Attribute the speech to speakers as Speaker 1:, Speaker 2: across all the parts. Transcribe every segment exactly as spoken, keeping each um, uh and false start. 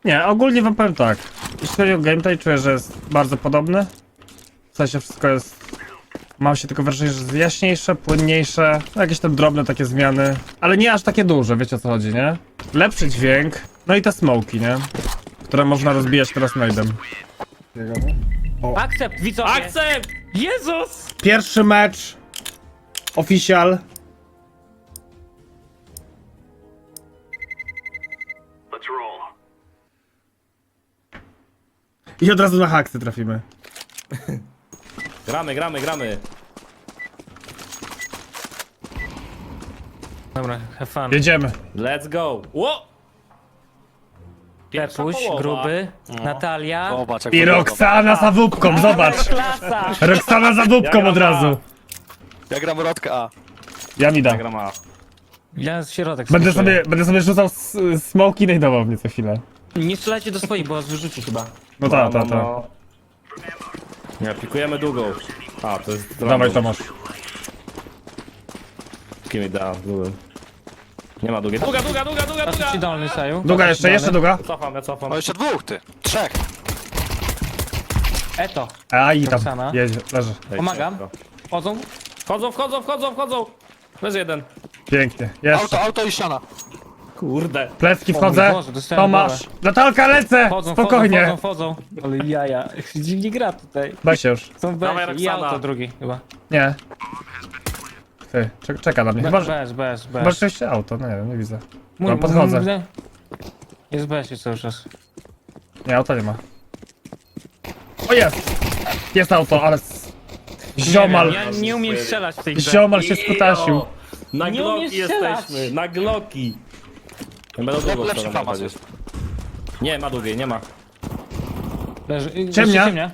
Speaker 1: Nie, ogólnie wam powiem tak. Jeśli chodzi o gameplay, czuję, że jest bardzo podobny. W sensie wszystko jest... Mam się tylko wrażenie, że jest jaśniejsze, płynniejsze, no jakieś tam drobne takie zmiany, ale nie aż takie duże, wiecie o co chodzi, nie? Lepszy dźwięk, no i te smoki, nie? Które można rozbijać teraz najdem.
Speaker 2: Akcept, widzowie!
Speaker 3: Akcept!
Speaker 2: Jezus!
Speaker 1: Pierwszy mecz. Official. I od razu na haksy trafimy.
Speaker 3: Gramy, gramy, gramy.
Speaker 2: Dobra, have fun.
Speaker 1: Jedziemy.
Speaker 3: Let's go. Ło! Pierwsza
Speaker 2: Pepuś,
Speaker 3: połowa.
Speaker 2: gruby, Natalia.
Speaker 4: Zobacz, jak
Speaker 1: I
Speaker 4: wyglądam.
Speaker 1: Roxana za wupką, zobacz.
Speaker 2: Klasa!
Speaker 1: Roxana za wupką
Speaker 3: Ja
Speaker 1: od
Speaker 3: gram
Speaker 1: razu.
Speaker 4: Ja gram rodkę A.
Speaker 1: Ja mi da.
Speaker 3: Gra ma.
Speaker 2: Ja z środek
Speaker 1: Będę
Speaker 2: skuszuję.
Speaker 1: sobie, będę sobie rzucał s- smoki i najdował mnie co chwilę.
Speaker 2: Nie strzelajcie do swoich, bo was wyrzuci chyba.
Speaker 1: No ta, ta, ta.
Speaker 3: Nie, pikujemy długą. A, to jest...
Speaker 1: Dawaj Tomasz.
Speaker 3: Kim mi da, długą. Nie ma długiej. Długa, długa, długa, długa,
Speaker 2: Patrz ci
Speaker 3: długa!
Speaker 2: dolny, Saju.
Speaker 1: Długa jeszcze, jeszcze długa.
Speaker 3: Cofam, ja cofam.
Speaker 4: O, jeszcze dwóch, ty. Trzech.
Speaker 2: Eto,
Speaker 1: A i tam,
Speaker 2: Roxana.
Speaker 1: jedzie, leży.
Speaker 3: Ej,
Speaker 2: pomagam.
Speaker 3: szybko.
Speaker 2: Chodzą?
Speaker 3: Wchodzą, wchodzą, wchodzą, wchodzą! Leży jeden.
Speaker 1: Pięknie, jeszcze.
Speaker 4: Auto, auto i ściana.
Speaker 3: Kurde.
Speaker 1: Plecki
Speaker 2: O
Speaker 1: wchodzę.
Speaker 2: mój Boże, dostałem
Speaker 1: Tomasz. Natalka, lecę!
Speaker 2: Chodzą,
Speaker 1: Spokojnie.
Speaker 2: wchodzą, wchodzą, wchodzą. Ale jaja, dziwnie gra tutaj.
Speaker 1: Baj się już.
Speaker 2: Są
Speaker 3: Dawaj,
Speaker 2: bez i
Speaker 3: Roxana.
Speaker 2: auto drugi chyba.
Speaker 1: Nie. Ty, czek- czeka na mnie. Chyba,
Speaker 2: Bez,
Speaker 1: że...
Speaker 2: bez, bez, bez.
Speaker 1: Chyba rzeczywiście auto, no nie wiem, nie widzę.
Speaker 2: Mój-
Speaker 1: No, podchodzę.
Speaker 2: mój- Jest bez cały czas.
Speaker 1: Nie, auta nie ma. O jest! Jest auto, ale... s- Ziomal.
Speaker 2: Nie wiem, ja nie umiem strzelać w tej grze.
Speaker 1: Ziomal się skutasił.
Speaker 3: Na
Speaker 2: Nie umiesz
Speaker 3: gloki
Speaker 2: strzelać.
Speaker 3: jesteśmy, na gloki. Nie będą długą
Speaker 4: lepszy
Speaker 3: stronę
Speaker 4: famas
Speaker 3: chodzić. Nie, ma długiej, nie ma.
Speaker 2: Leży, y,
Speaker 1: Ciemnia.
Speaker 2: jeszcze ciemnia.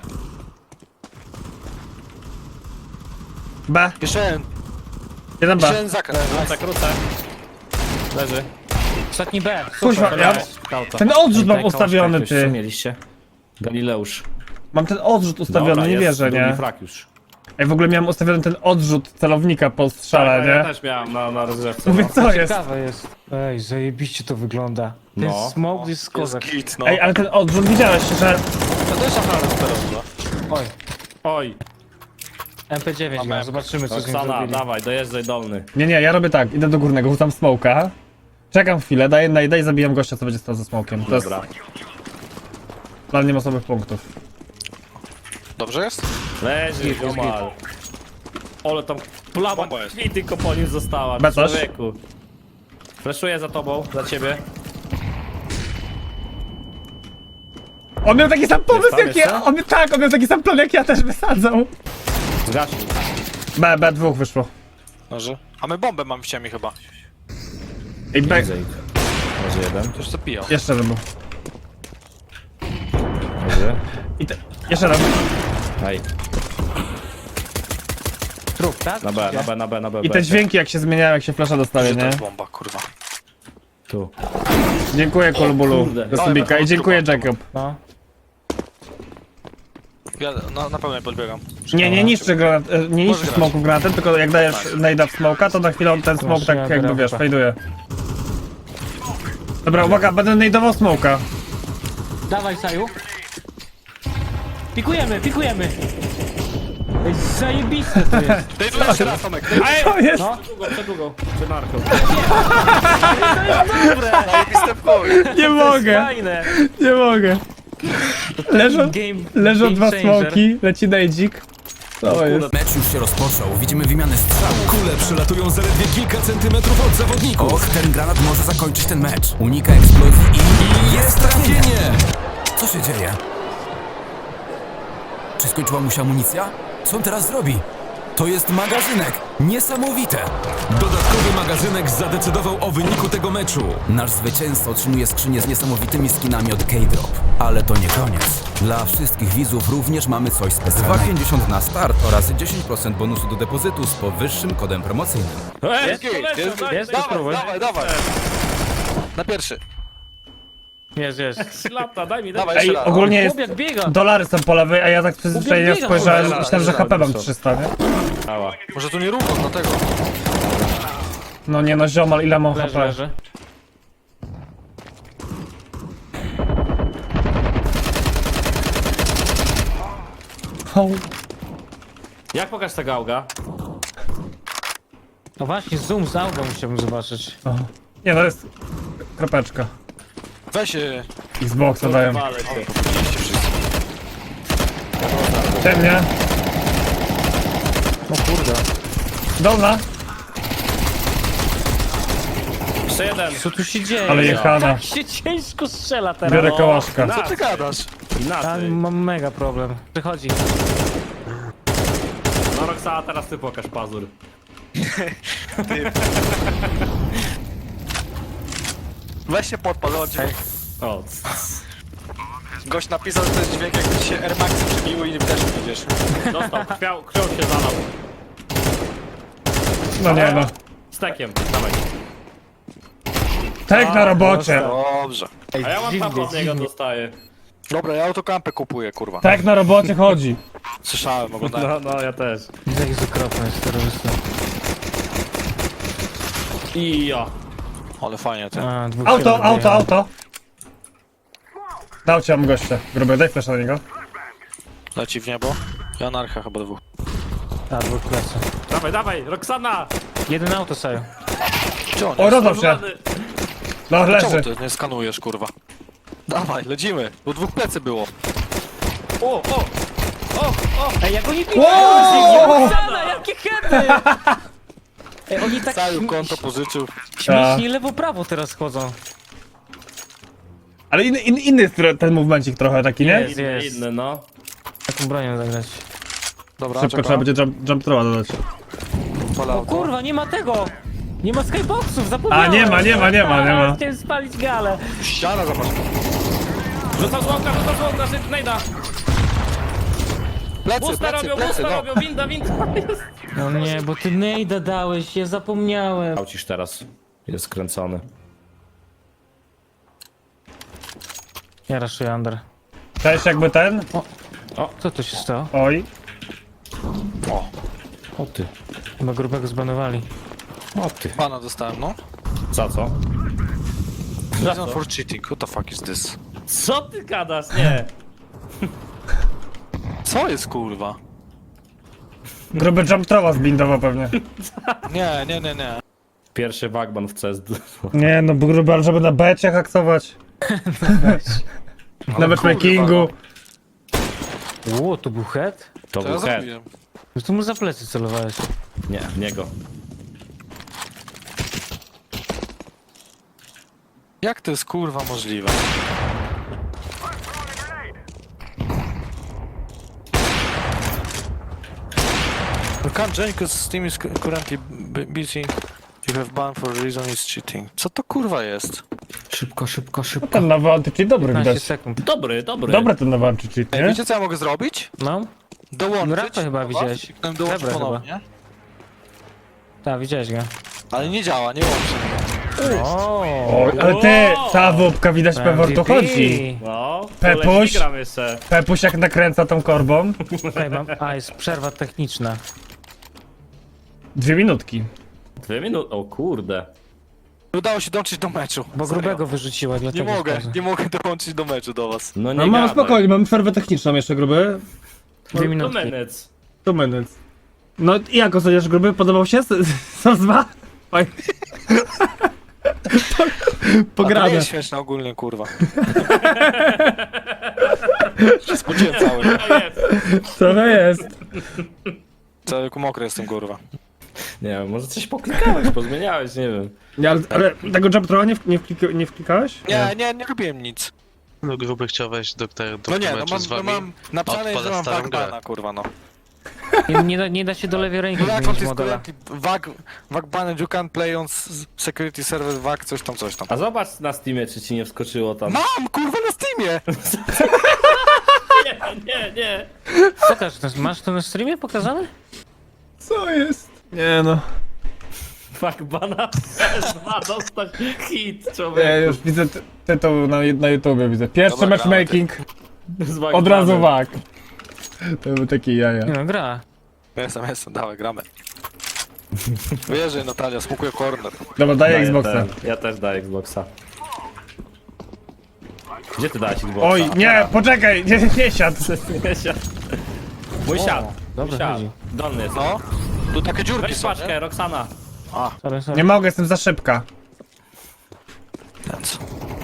Speaker 1: B.
Speaker 4: Jeszcze jeden.
Speaker 1: Jeden
Speaker 4: Jeszcze
Speaker 1: B.
Speaker 4: jeden zakręt.
Speaker 3: Krócę, krócę. Leży.
Speaker 2: Ostatni B.
Speaker 1: Kuźwa,
Speaker 2: Super,
Speaker 1: ja...
Speaker 3: Kauta.
Speaker 1: Ten odrzut mam
Speaker 3: Tej
Speaker 1: ustawiony,
Speaker 3: kołczka jakoś, co
Speaker 1: ty.
Speaker 3: mieliście? Galileusz.
Speaker 1: Mam ten odrzut ustawiony,
Speaker 3: Dobra,
Speaker 1: nie
Speaker 3: jest
Speaker 1: wierzę,
Speaker 3: drugi
Speaker 1: nie?
Speaker 3: frak już.
Speaker 1: Ej, w ogóle miałem ustawiony ten odrzut celownika po strzale,
Speaker 3: Tak, ja
Speaker 1: nie?
Speaker 3: też miałem na, na rozgrzewce.
Speaker 1: Mówię,
Speaker 3: No.
Speaker 1: co jest?
Speaker 2: Ciekawe jest. Ej, zajebiście to wygląda. Ten
Speaker 3: No.
Speaker 2: smoke jest
Speaker 4: Jest
Speaker 2: kozak.
Speaker 4: git, no.
Speaker 1: Ej, ale ten odrzut widziałeś, że...
Speaker 4: To też naprawdę super.
Speaker 2: Oj,
Speaker 3: Oj,
Speaker 2: M P dziewięć gram, zobaczymy co z nim
Speaker 3: Roxana,
Speaker 2: zrobili.
Speaker 3: dawaj, dojeżdżaj dolny.
Speaker 1: Nie, nie, ja robię tak, idę do górnego, rzucam smoka. Czekam chwilę, daję najdę i zabijam gościa, co będzie stał ze smokiem. To jest
Speaker 3: Dobra.
Speaker 1: dla niemocowych punktów.
Speaker 4: Dobrze jest?
Speaker 3: Leży, ziomal. Ole tam plama
Speaker 4: Bomba jest.
Speaker 3: krwi tylko po nim została,
Speaker 1: Be coś?
Speaker 3: człowieku. Fleszuję za tobą, za ciebie.
Speaker 1: On miał taki sam pomysł
Speaker 3: tam
Speaker 1: jak ja!
Speaker 3: jeszcze?
Speaker 1: On, tak, on miał taki sam plan jak ja też wysadzał.
Speaker 3: Zgasił.
Speaker 1: B, B dwóch wyszło.
Speaker 4: Może. A my bombę mamy w ciemni chyba.
Speaker 1: Ej, B,
Speaker 3: Leży jeden.
Speaker 4: To już zabijał.
Speaker 1: jeszcze jeden był.
Speaker 3: Leży.
Speaker 1: I te, jeszcze jeden.
Speaker 3: Ej,
Speaker 2: Trup, tak?
Speaker 3: na B, na B, na B, na B.
Speaker 1: I te dźwięki jak się zmieniają, jak się flasza dostaje,
Speaker 4: Gdzie to
Speaker 1: nie?
Speaker 4: jest bomba, kurwa.
Speaker 3: Tu.
Speaker 1: Dziękuję Kolbulu
Speaker 3: kurde.
Speaker 1: do subika i dziękuję Jacob.
Speaker 2: No.
Speaker 4: Ja na, na pewno nie podbiegam.
Speaker 1: Nie, nie niszczy granat, e, nie niszczy
Speaker 4: grać.
Speaker 1: smoku granatem, tylko jak dajesz najda w smoka, to na chwilę on ten smok
Speaker 2: Proszę,
Speaker 1: tak
Speaker 2: ja
Speaker 1: jakby
Speaker 2: gram
Speaker 1: wiesz,
Speaker 2: chyba.
Speaker 1: fejduje. Dobra, uwaga, będę najdował smoka.
Speaker 2: Dawaj, Saju. Pikujemy, pikujemy. Ej, zajebiste to jest.
Speaker 4: Daj tu jeszcze raz, Tomek. Daj
Speaker 1: To jest...
Speaker 2: No.
Speaker 3: Długo, przedługo. Czy narko.
Speaker 4: zajebiste w chuj.
Speaker 1: Nie mogę,
Speaker 2: Fajne.
Speaker 1: nie mogę. Leżą,
Speaker 2: Game,
Speaker 1: leżą
Speaker 2: game
Speaker 1: dwa
Speaker 2: changer.
Speaker 1: smoki, leci najdzik. Co jest?
Speaker 5: Mecz już się rozpoczął, widzimy wymianę strzałów.
Speaker 6: Kule przelatują zaledwie kilka centymetrów od zawodników.
Speaker 5: Och, ten granat może zakończyć ten mecz. Unika eksplozji i...
Speaker 6: I jest trafienie!
Speaker 5: Co się dzieje? Czy skończyła mu się amunicja? Co on teraz zrobi? To jest magazynek! Niesamowite!
Speaker 6: Dodatkowy magazynek zadecydował o wyniku tego meczu.
Speaker 5: Nasz zwycięzca otrzymuje skrzynię z niesamowitymi skinami od K-Drop. Ale to nie koniec. Dla wszystkich widzów również mamy coś specjalnego. dwa pięćdziesiąt na start oraz dziesięć procent bonusu do depozytu z powyższym kodem promocyjnym.
Speaker 3: Ej,
Speaker 4: Jest git, jest git.
Speaker 2: Jest,
Speaker 4: Dawaj,
Speaker 2: spróbuj.
Speaker 4: dawaj, dawaj. Na pierwszy.
Speaker 2: Jest, jest.
Speaker 3: Lata, daj mi, daj
Speaker 4: Dawaj
Speaker 3: mi.
Speaker 4: jeszcze
Speaker 1: Ej,
Speaker 4: raz.
Speaker 1: ogólnie jest...
Speaker 2: Chłopiak biega.
Speaker 1: Dolary są po lewej, a ja tak przyzwyczajenie
Speaker 2: Ubiegam,
Speaker 1: spojrzałem,
Speaker 3: kurwa,
Speaker 1: myślałem, że
Speaker 3: zaraz,
Speaker 1: H P mam
Speaker 3: zaraz.
Speaker 1: trzysta, nie?
Speaker 3: Ała.
Speaker 4: Może tu nie równo, dlatego.
Speaker 1: No nie no, ziomal, ile mam
Speaker 2: Leży,
Speaker 1: H P?
Speaker 2: leży.
Speaker 3: Jak pokaż tego auga?
Speaker 2: No właśnie, zoom z auga musiałbym zobaczyć.
Speaker 1: O. Nie, no jest kropeczka.
Speaker 4: Weź się.
Speaker 1: Xboxa dają.
Speaker 3: Wale cię.
Speaker 4: Powinniście wszyscy.
Speaker 1: Ciemnie.
Speaker 2: O kurde.
Speaker 1: Dolna.
Speaker 3: Jeszcze jeden.
Speaker 2: Co tu się dzieje?
Speaker 1: Ale jechana.
Speaker 2: Tak się ciężko strzela teraz.
Speaker 1: Biorę kołaszka.
Speaker 3: Na-
Speaker 4: Co ty gadasz?
Speaker 2: Ja
Speaker 3: Inaczej.
Speaker 2: mam mega problem. Przychodzi.
Speaker 3: No Roxana, teraz ty pokaż pazur.
Speaker 4: Weź się podpal, o dźwięk.
Speaker 3: O,
Speaker 4: Gość napisał, że to jest dźwięk, jakby ci się Air Maxy przybiły i też widzisz.
Speaker 3: dostał, krwią, krwią się zalał.
Speaker 1: No nie no.
Speaker 3: Stekiem, dawaj.
Speaker 1: Tak na robocie.
Speaker 4: Dobrze.
Speaker 3: A ja mam
Speaker 2: dziwnie,
Speaker 3: tam od niego
Speaker 2: dziwnie.
Speaker 3: dostaję.
Speaker 4: Dobra, ja autokampę kupuję, kurwa.
Speaker 1: Tak na robocie chodzi.
Speaker 4: Słyszałem, oglądałem.
Speaker 3: No, no, ja też.
Speaker 2: Jak jest okropne jest terrorysta.
Speaker 3: I ja.
Speaker 4: Ale fajnie, ty.
Speaker 2: A, dwóch
Speaker 1: Auto,
Speaker 2: się
Speaker 1: auto,
Speaker 2: rozbijało.
Speaker 1: auto. Dał cię, mam gościa. Gruby, daj flasha na niego.
Speaker 4: Leci w niebo. I anarcha chyba dwóch.
Speaker 2: A, dwóch klasy.
Speaker 3: Dawaj, dawaj, Roxana!
Speaker 2: Jeden auto sobie.
Speaker 4: Gdzie on
Speaker 1: O,
Speaker 4: jest?
Speaker 1: rozdał się. No,
Speaker 4: Czemu
Speaker 1: leży.
Speaker 4: ty nie skanujesz, kurwa? Dawaj, lecimy. Bo dwóch plecy było.
Speaker 3: O, o!
Speaker 2: Ej, jak oni
Speaker 1: Wow!
Speaker 2: Roxana, jakie hedy! Ej, oni tak
Speaker 4: Cały
Speaker 2: śm-
Speaker 4: konto pożyczył.
Speaker 2: śmiesznie lewo-prawo teraz chodzą.
Speaker 1: Ale inny, inny, inny jest tro- ten movemencik trochę taki, nie?
Speaker 2: Jest,
Speaker 3: Inny,
Speaker 2: jest.
Speaker 3: inny, no.
Speaker 2: Taką bronią zagrać.
Speaker 4: Dobra,
Speaker 1: Szybko trzeba będzie jump, jump throwa dodać.
Speaker 2: O kurwa, nie ma tego! Nie ma skyboxów, zapomniałem!
Speaker 1: A, nie ma, nie ma, nie ma, nie ma.
Speaker 2: Chciałem spalić galę.
Speaker 4: Ściana, zobacz.
Speaker 3: Rzucał złomka, rzucał złomka, szybko, najda.
Speaker 4: Plecy,
Speaker 3: Busta
Speaker 4: plecy,
Speaker 3: robią,
Speaker 4: plecy,
Speaker 3: busta
Speaker 4: no.
Speaker 3: robią, winda, winda.
Speaker 2: No nie, bo ty nejda dałeś, ja zapomniałem.
Speaker 3: Aucisz teraz. Jest skręcony.
Speaker 2: Ja raszuję under.
Speaker 1: Cześć, jakby ten.
Speaker 2: Co tu się stało?
Speaker 1: Oj.
Speaker 4: O,
Speaker 3: O ty.
Speaker 2: Chyba grubego zbanowali.
Speaker 3: O ty.
Speaker 4: pana dostałem, no.
Speaker 3: Za co?
Speaker 4: Reason for cheating, what the fuck is this?
Speaker 3: Co ty gadasz? Nie.
Speaker 4: Co jest, kurwa?
Speaker 1: Gruby jump throwa zbindował pewnie.
Speaker 4: Nie, nie, nie, nie.
Speaker 3: Pierwszy wagban w C S.
Speaker 1: Nie no, bo gruby, ale żeby na becie haksować. Na matchmakingu.
Speaker 2: Ło, to był head?
Speaker 3: To
Speaker 4: To ja
Speaker 3: był head.
Speaker 4: zrobiłem.
Speaker 2: No to mu za plecy celowałeś.
Speaker 3: Nie, w niego.
Speaker 4: Jak to jest, kurwa, możliwe? You can't join because Steam is currently b- busy. You have banned for reason is cheating. Co to kurwa jest?
Speaker 3: Szybko, szybko, szybko.
Speaker 1: Ten nowy anti-cheat dobry
Speaker 2: piętnaście
Speaker 1: widać.
Speaker 2: sekund.
Speaker 3: Dobry, dobry.
Speaker 1: Dobry ten nowy anti-cheat,
Speaker 4: Ej,
Speaker 1: nie?
Speaker 4: wiecie co ja mogę zrobić?
Speaker 2: No?
Speaker 4: Dołączyć.
Speaker 2: Rapę chyba
Speaker 4: do was
Speaker 2: widziałeś.
Speaker 4: i potem dołączyć
Speaker 2: Dobra,
Speaker 4: ponownie.
Speaker 2: Tak, widziałeś go.
Speaker 4: Ale nie działa, nie łączy mnie.
Speaker 2: O,
Speaker 1: Oj, ale ty, ta wupka widać pewor tu chodzi.
Speaker 3: No,
Speaker 1: Pepuś.
Speaker 3: gram jeszcze.
Speaker 1: Pepuś jak nakręca tą korbą.
Speaker 2: Ej, mam... A, jest przerwa techniczna.
Speaker 1: Dwie minutki.
Speaker 3: Dwie minuty, o kurde.
Speaker 4: Nie udało się dołączyć do meczu.
Speaker 2: Bo
Speaker 4: Serio.
Speaker 2: grubego wyrzuciła,
Speaker 4: Nie
Speaker 2: dlatego
Speaker 4: mogę,
Speaker 2: wchodzę.
Speaker 4: nie mogę dołączyć do meczu do was.
Speaker 3: No nie
Speaker 1: No mam
Speaker 3: gadaj.
Speaker 1: spokojnie, mamy przerwę techniczną jeszcze, gruby.
Speaker 2: Dwie
Speaker 3: Two
Speaker 2: minutki.
Speaker 3: minutes.
Speaker 1: Two minutes. No i jak oceniasz, gruby? Podobał się? Sos dwa? Fajnie.
Speaker 4: A to nie
Speaker 1: Pograne.
Speaker 4: jest śmieszne ogólnie, kurwa. się spodziewałem cały.
Speaker 3: To jest.
Speaker 1: Co to jest?
Speaker 4: Cały mokry jestem, kurwa.
Speaker 3: Nie wiem, może coś poklikałeś, pozmieniałeś, nie wiem.
Speaker 1: Nie, ale, ale tego jump throwa nie, w, nie, wklika, nie wklikałeś?
Speaker 4: Nie, nie, nie robiłem nic.
Speaker 7: No gruby chciał wejść do, do, do
Speaker 4: No nie, no
Speaker 7: meczu
Speaker 4: mam,
Speaker 7: z
Speaker 4: no
Speaker 7: wami.
Speaker 4: mam napisane,
Speaker 7: odpala
Speaker 4: że mam
Speaker 7: starą grę.
Speaker 4: wagbana, kurwa, no.
Speaker 2: Nie, nie, da, nie da się do lewej ręki
Speaker 4: No jak on
Speaker 2: zmienić
Speaker 4: jest
Speaker 2: modela.
Speaker 4: currently wag, wagbanned, you can play on s- security server wag, coś tam, coś tam.
Speaker 3: A zobacz na Steamie, czy ci nie wskoczyło tam.
Speaker 4: Mam, kurwa, na Steamie!
Speaker 3: Nie, nie, nie.
Speaker 2: Pokaż, to- masz to na streamie pokazane?
Speaker 1: Co jest? Nie no.
Speaker 3: Fuck, bana C S dwa dostać hit,
Speaker 1: Ja
Speaker 3: człowiek.
Speaker 1: już widzę ty- tytuł na, na YouTubie, widzę. Pierwszy
Speaker 4: Dobra,
Speaker 1: matchmaking,
Speaker 3: Z
Speaker 1: od razu
Speaker 3: Wagbanem.
Speaker 1: wag. To był taki jaja.
Speaker 2: Nie no, gra.
Speaker 4: Jestem, jestem, dawaj, gramy. Wyjeżdżaj, Natalia, smukuję corner.
Speaker 1: Dobra, daję
Speaker 3: Daję
Speaker 1: Xboxa.
Speaker 3: ten. Ja też daję Xboxa. Gdzie ty dałeś Xboxa?
Speaker 1: Oj, nie, poczekaj, nie, nie siadł.
Speaker 3: Nie siadł. Mój siad.
Speaker 2: Dobrze
Speaker 3: Siad.
Speaker 2: chodzi.
Speaker 3: Dolny jest.
Speaker 4: No. Tu takie dziurki
Speaker 3: Weź
Speaker 4: są,
Speaker 3: paczkę,
Speaker 4: nie?
Speaker 3: Roxana.
Speaker 2: Sorry, sorry.
Speaker 1: Nie mogę, jestem za szybka.
Speaker 4: Ten co?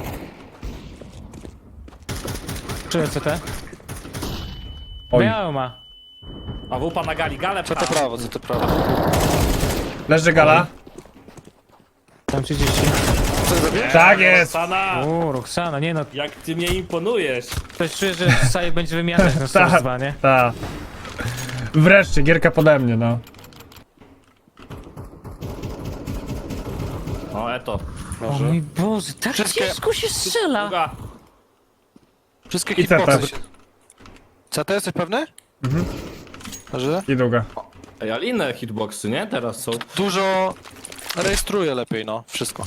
Speaker 2: Czuję C T.
Speaker 1: Oj.
Speaker 2: Biały ma.
Speaker 3: A wupa na gali, galę
Speaker 4: Co to
Speaker 3: pcha.
Speaker 4: prawo, co to prawo?
Speaker 1: Leży gala.
Speaker 2: Tam trzydzieści.
Speaker 4: Co zrobię?
Speaker 1: Tak jest.
Speaker 3: Roxana,
Speaker 2: Uuu, Roxana, nie no.
Speaker 3: jak ty mnie imponujesz.
Speaker 2: Ktoś czuje, że Saje będzie wymiatać na
Speaker 1: Tak.
Speaker 2: Source dwa, nie?
Speaker 1: Ta. Wreszcie, gierka pode mnie, no.
Speaker 3: O, eto.
Speaker 2: O mój Boże, tak
Speaker 4: Wszystkie-
Speaker 2: ciężko się strzela.
Speaker 3: Druga.
Speaker 4: Wszystkie
Speaker 1: I C T.
Speaker 4: hitboxy. się- C T jesteś pewny? Mhm. Że?
Speaker 1: I długa.
Speaker 3: Ej, ale inne hitboxy, nie? Teraz są.
Speaker 4: Dużo rejestruje lepiej, no. Wszystko.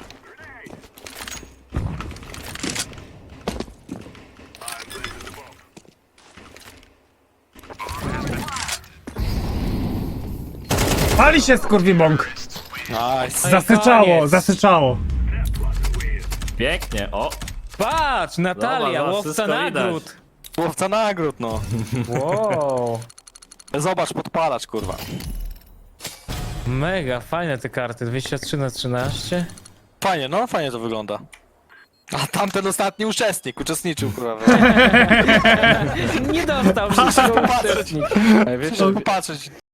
Speaker 1: Pali się skurwibąk!
Speaker 4: Nice.
Speaker 1: Zasyczało,
Speaker 2: koniec.
Speaker 1: zasyczało.
Speaker 3: Pięknie, o.
Speaker 2: Patrz, Natalia,
Speaker 3: Dobra,
Speaker 2: łowca
Speaker 3: wszystko widać.
Speaker 2: nagród.
Speaker 4: Łowca nagród, no.
Speaker 2: Wow.
Speaker 4: Zobacz, podpalacz, kurwa.
Speaker 2: Mega, fajne te karty, dwadzieścia trzy na trzynaście.
Speaker 4: Fajnie, no, fajnie to wygląda. A tamten ostatni uczestnik, uczestniczył, kurwa.
Speaker 2: Nie dostał wszystkiego
Speaker 4: Popatrzeć.
Speaker 2: uczestnik.
Speaker 4: Wiecie, popatrzeć.